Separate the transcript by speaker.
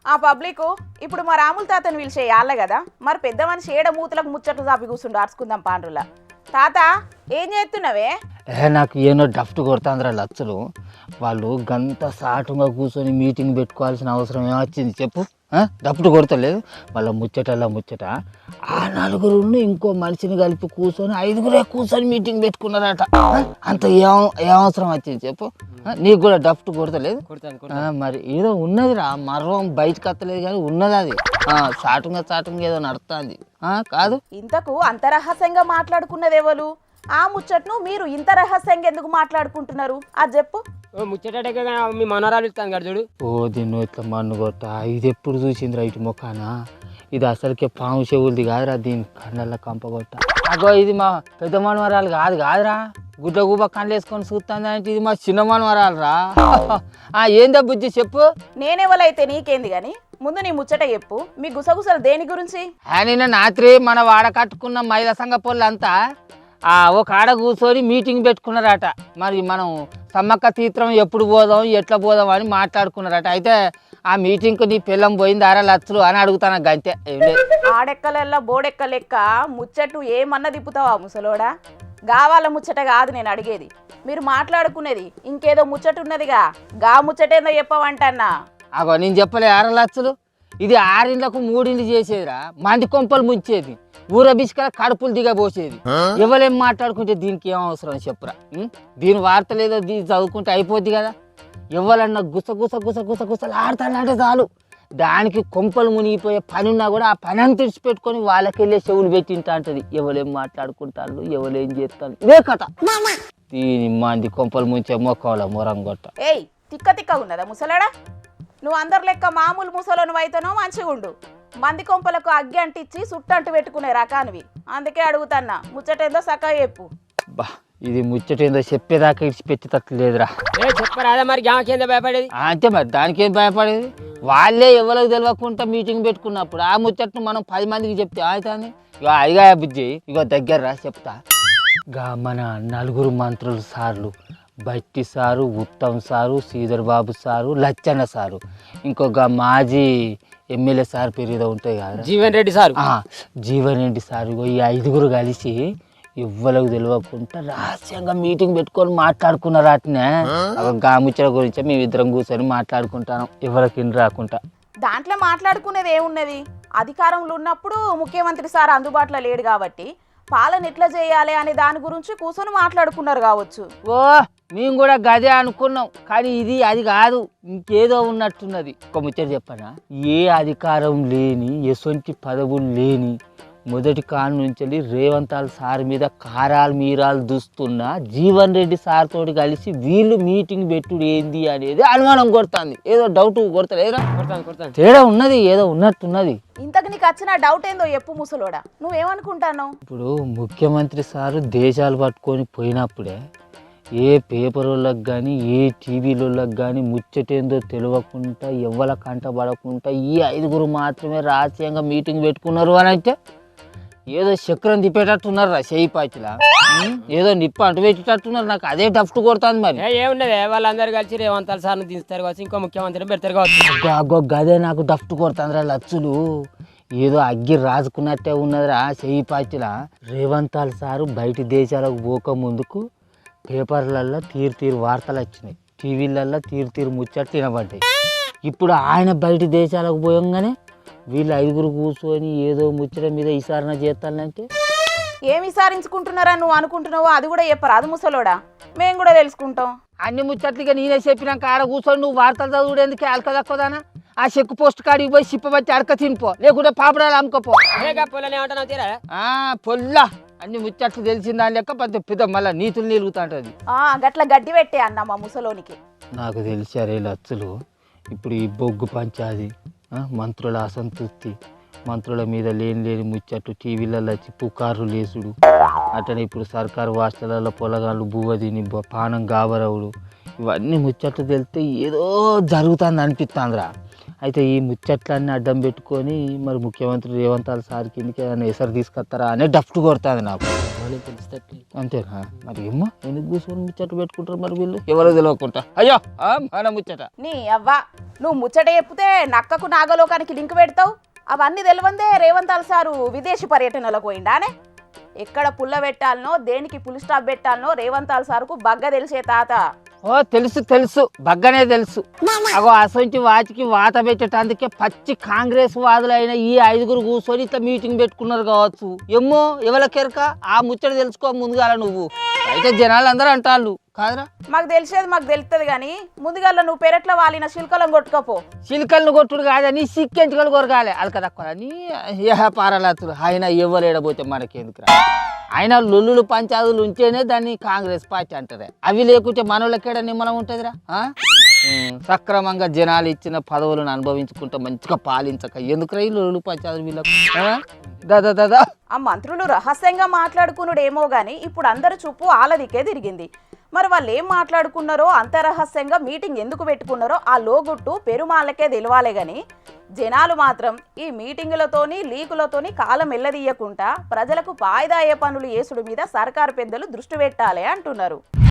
Speaker 1: ఆ పబ్లిక్ ఇప్పుడు మా రాముల తాతను పిలిచేయాలి కదా, మరి పెద్ద మనిషి ఏడ మూతలకు ముచ్చట్లు చాపి కూర్చుండు అరుచుకుందాం పాండ్రుల. తాత ఏం చేస్తున్నావే?
Speaker 2: నాకు ఏనో డఫ్ట్ కొడుతుందిరా లచ్చలు. వాళ్ళు గంత సాటుగా కూర్చొని మీటింగ్ పెట్టుకోవాల్సిన అవసరం ఏమొచ్చింది చెప్పు? డఫ్ట్ కొడతలేదు. వాళ్ళ ముచ్చట ఆ నలుగురు ఇంకో మనిషిని కలిపి కూర్చొని 5గురే కూర్చొని మీటింగ్ పెట్టుకున్నారట. అంత ఏం అవసరం వచ్చింది చెప్పు? నీకు కూడా డఫ్ట్ కొడతలేదు? మరి ఏదో ఉన్నదిరా, మర్వం బయటకు వస్తలేదు కానీ ఉన్నది అది. చాటుగా ఏదో నడుస్తుంది కాదు.
Speaker 1: ఇంతకు అంత రహస్యంగా మాట్లాడుకున్నది ఎవరు? ఆ ముచ్చట్ను మీరు ఇంత రహస్యంగా ఎందుకు మాట్లాడుకుంటున్నారు అది చెప్పు.
Speaker 3: ముచ్చట మీ మనోరాలు ఇస్తాను కదా చూడు.
Speaker 2: దీన్ని ఇట్లా మన్ను కొట్ట, ఇది ఎప్పుడు చూసిందిరా ఇటు మొక్కనా? ఇది అసలుకే పాము చెవులది కాదురా, దీని కళ్ళల్లో కంపగొట్ట. అగో ఇది మా పెద్ద మనవరాలు కాదురా, గుడ్డ గుబ్బ కళ్ళు వేసుకొని చూస్తుంది అంటే ఇది మా చిన్న మనవరాలు రా. ఏందా బుజ్జి చెప్పు?
Speaker 1: నేనెవలైతే నీకేంది గాని ముందు నీ ముచ్చట చెప్పు. మీ గుసగుసలు దేని గురించి?
Speaker 2: నిన్న రాత్రి మన వాడ కట్టుకున్న మహిళా సంఘ పొలంతా ఒక ఆడ కూర్చొని మీటింగ్ పెట్టుకున్నారట. మరి మనం సమ్మక్క తీర్థం ఎప్పుడు పోదాం ఎట్లా పోదాం అని మాట్లాడుకున్నారట. అయితే ఆ మీటింగ్కు నీ పిల్లం పోయింది 6 లక్షలు అని అడుగుతాను గంతే.
Speaker 1: ఆడెక్కలెల్లా బోడెక్క లెక్క ముచ్చట్టు ఏమన్నా తిప్పుతావా ముసలోడా? గావాల ముచ్చట కాదు నేను అడిగేది. మీరు మాట్లాడుకునేది ఇంకేదో ముచ్చట ఉన్నదిగా, గా ముచ్చటేందో చెప్పవంటన్నా.
Speaker 2: అగో నేను చెప్పలే 6 లక్షలు. ఇది 6 ఇండ్లకు 3 ఇండ్లు చేసేదిరా, మంది కొంపలు ముంచేది, ఊర బిస్కల కడుపులు దిగబోసేది. ఎవరేం మాట్లాడుకుంటే దీనికి ఏం అవసరం చెప్పురా? దీని వార్త లేదో దీన్ని చదువుకుంటే అయిపోద్ది కదా. ఎవరన్నా గుసగుసలు ఆడతానంటే చాలు, దానికి కొంపలు మునిగిపోయే పని ఉన్నా కూడా ఆ పని అంత తెచ్చిపెట్టుకొని వాళ్ళకెళ్ళే చెవులు పెట్టింటా అంటది. ఎవరేం మాట్లాడుకుంటారు, ఎవరేం చేస్తారు, ఇదే కథ. దీని మంది కొంపలు ముంచే మొక్కల మొరంగొట్ట.
Speaker 1: ఏయ్ తిక్క ఉన్నదా ముసలాడా? నువ్వు అందరు లెక్క మామూలు ముసలోను అయితేనో మంచిగా ఉండు. మంది కొంపలకు అగ్గి అంటించి సుట్టంటు పెట్టుకునే రకానివి. అందుకే అడుగుతాన్నా, ముచ్చటేందో సక్క చెప్పు.
Speaker 2: బా ఇది ముచ్చటేందో చెప్పేదాకా ఇడిచిపెట్టేటట్లు లేదురా.
Speaker 3: చెప్పరాదా మరి గామకేందో భయపడేది?
Speaker 2: అంతే మరి, దానికేం భయపడేది? వాళ్ళే ఎవరికి తెలియకుండా మీటింగ్ పెట్టుకున్నప్పుడు ఆ ముచ్చట్ను మనం 10 మందికి చెప్తే అవుతుంది. ఇక అదిగా బుజ్జి, ఇగో దగ్గర రా చెప్తా. మన 4 మంత్రులు సార్లు, Bhatti sir, Uttam sir, Sridhar Babu sir, Lachanna sir, ఇంకొక మాజీ ఎమ్మెల్యే సార్ పేరు ఏదో ఉంటాయి కదా,
Speaker 3: జీవన్ రెడ్డి సారు.
Speaker 2: జీవన్ రెడ్డి సారు. ఈ 5గురు కలిసి ఎవ్వరికి తెలియకుండా రహస్యంగా మీటింగ్ పెట్టుకొని మాట్లాడుకున్నారు. అట్నే గాముచ్చల గురించి మేమిద్దరం కూర్చొని మాట్లాడుకుంటాను, ఎవరికి రాకుండా.
Speaker 1: దాంట్లో మాట్లాడుకునేది ఏమున్నది? అధికారంలో ఉన్నప్పుడు ముఖ్యమంత్రి సార్ అందుబాటులో లేడు కాబట్టి పాలన ఎట్లా చేయాలి అనే దాని గురించి కూర్చొని మాట్లాడుకున్నారు కావచ్చు.
Speaker 2: మేము కూడా గదే అనుకున్నాం, కానీ ఇది అది కాదు, ఇంకేదో ఉన్నట్టున్నది. ఒక ముచ్చట చెప్పనా? ఏ అధికారం లేని, ఎసొంటి పదవులు లేని మొదటి కాలం నుంచి రేవంతాల్ సార్ మీద కారాలు మీరాలు దుస్తున్న జీవన్ రెడ్డి సార్ తోటి కలిసి వీళ్ళు మీటింగ్ పెట్టుడు ఏంది అనేది అనుమానం కొడుతుంది. ఏదో డౌట్ కొడతలేదా? తేడా ఉన్నది, ఏదో ఉన్నట్టున్నది.
Speaker 1: ఇంతకు నీకు వచ్చిన డౌట్ ఏందో చెప్పు ముసలోడా, నువ్వేమనుకుంటాను?
Speaker 2: ఇప్పుడు ముఖ్యమంత్రి సారు దేశాలు పట్టుకొని పోయినప్పుడే ఏ పేపర్ వాళ్ళకి కానీ ఏ టీవీలోకి కానీ ముచ్చటేందో తెలియకుండా ఎవ్వల కంట పడకుండా ఈ 5గురు మాత్రమే రహస్యంగా మీటింగ్ పెట్టుకున్నారు అని అంటే ఏదో చక్రం తిప్పేటట్టున్నారు రా చేయి పాచిలా, ఏదో నిప్పు అంటు పెట్టేటట్టున్నారు. నాకు అదే డఫ్ట్ కొడుతుంది. మరి
Speaker 3: ఏమున్నది, వాళ్ళందరూ కలిసి రేవంతాల్ సార్ని దించుతారు కావచ్చు, ఇంకో ముఖ్యమంత్రిని పెడతారు కావచ్చు.
Speaker 2: గదే నాకు డఫ్ట్ కొడుతుందిరా లచ్చులు. ఏదో అగ్గి రాసుకున్నట్టే ఉన్నదిరా చేయి పాచిలా. రేవంతాల్ సారు బయట దేశాలకు పోక ముందుకు పేపర్లల్లో తీరు వార్తలు వచ్చినాయి, టీవీలల్లో తీరు ముచ్చట్లు వినబడ్డాయి. ఇప్పుడు ఆయన బయట దేశాలకు పోయంగానే వీళ్ళు 5గురు కూర్చొని ఏదో ముచ్చట మీద విచారణ చేస్తానంటే
Speaker 1: ఏమి విచారించుకుంటున్నారా నువ్వు అనుకుంటున్నావో అది కూడా చెప్పరా? అది ముసలోడా, మేము కూడా తెలుసుకుంటాం.
Speaker 2: అన్ని ముచ్చట్లుగా నేనే చెప్పినాక ఆడ కూర్చొని నువ్వు వార్తలు చదువుడేందుకే అలక తక్కువదానా? ఆ చెక్కు పోస్ట్ కాడికి పోయి సిప్పబట్టి అడక తినిపో, లేకుంటే పాపడాలు అమ్ముకోపో. పొల్లా అన్ని ముచ్చట్లు తెలిసిందా లెక్క పెద్ద మళ్ళీ నీతులు నిలుగుతా ఉంటుంది.
Speaker 1: గట్ల గడ్డి పెట్టే అన్న మా ముసలోనికి.
Speaker 2: నాకు తెలిసారే లచ్చులు, ఇప్పుడు ఈ బొగ్గు పంచాది, మంత్రుల అసంతృప్తి, మంత్రుల మీద లేని ముచ్చట్లు టీవీలలో వచ్చి పుకార్లు లేసుడు, అట్లనే ఇప్పుడు సర్కారు హాస్టళ్లలో పొలగాళ్ళు బువ్వ తిని పానం గాబరవుడు, ఇవన్నీ ముచ్చట్లు తెలితే ఏదో జరుగుతుంది అనిపిస్తుందిరా. అయితే ఈ ముచ్చట్లన్నీ అడ్డం పెట్టుకొని మరి ముఖ్యమంత్రి రేవంత్ సార్ కిందకి ఏమైనా ఎసరు తీసుకొస్తారా అనే డఫ్ట్ కొడుతుంది నాకు. అంతేనా మరి ఏమో ఎందుకు కూర్చొని ముచ్చట్లు పెట్టుకుంటారు మరి వీళ్ళు ఎవరో తెలియకుండా. అయ్యో మన ముచ్చట
Speaker 1: నీ అవ్వ నువ్వు ముచ్చట చెప్తే నక్కకు నాగలోకానికి లింక్ పెడతావు. అవన్నీ తెలివందే రేవంత్ సారు విదేశీ పర్యటనలకు పోయిండానే. ఎక్కడ పుల్ల పెట్టాలనో దేనికి పుల్ స్టాప్ పెట్టాలనో రేవంత్ సార్కు బగ్గ తెలిసే తాత.
Speaker 2: ఓ తెలుసు తెలుసు బగ్గనే తెలుసు. అగో అసొంటి వాటికి వాత పెట్టేటందుకే పచ్చి కాంగ్రెస్ వాదులైన ఈ 5గురు కూర్చొని ఇట్లా మీటింగ్ పెట్టుకున్నారు కావచ్చు. ఏమో ఎవరికెరక ఆ ముచ్చట తెలుసుకో ముందుగాల నువ్వు. అయితే జనాలు అందరూ అంటాళ్ళు కాదురా.
Speaker 1: మాకు తెలిసేది మాకు తెలుస్తుంది కానీ ముందుగా నువ్వు పెరట్లో వాలిన శిల్కలం కొట్టుకోపో.
Speaker 2: చిలుకలను కొట్టుడు కాదని సిక్కెంచుకలు కొరగాలి అలక తక్కువ అని పారలాతులు. ఆయన ఎవరేడబోతే మనకెందుకు రా. ఆయన లొల్లులు పంచాదులు ఉంటేనే దాన్ని కాంగ్రెస్ పార్టీ అంటారే. అవి లేకుంటే మనోళ్ళకేడ నిమ్మలం ఉంటుందిరా. సక్రమంగా జనాలు ఇచ్చిన పదవులను అనుభవించుకుంటూ మంచిగా పాలించక ఎందుకురా ఈ లొల్లులు పంచాదులు వీళ్ళకు. దాదా
Speaker 1: ఆ మంత్రులు రహస్యంగా మాట్లాడుకున్నాడేమో గాని ఇప్పుడు అందరు చూపు ఆలదికే తిరిగింది. మరి వాళ్ళు ఏం మాట్లాడుకున్నారో అంతరహస్యంగా మీటింగ్ ఎందుకు పెట్టుకున్నారో ఆ లోగుట్టు పెరుమాళ్ళకే తెలియాలే గాని జనాలు మాత్రం ఈ మీటింగులతోని లీకులతోని కాలం ఎల్లదీయకుండా ప్రజలకు వాయిదా అయ్యే పనులు చేసుడు మీద సర్కారు పెద్దలు దృష్టి పెట్టాలి అంటున్నారు.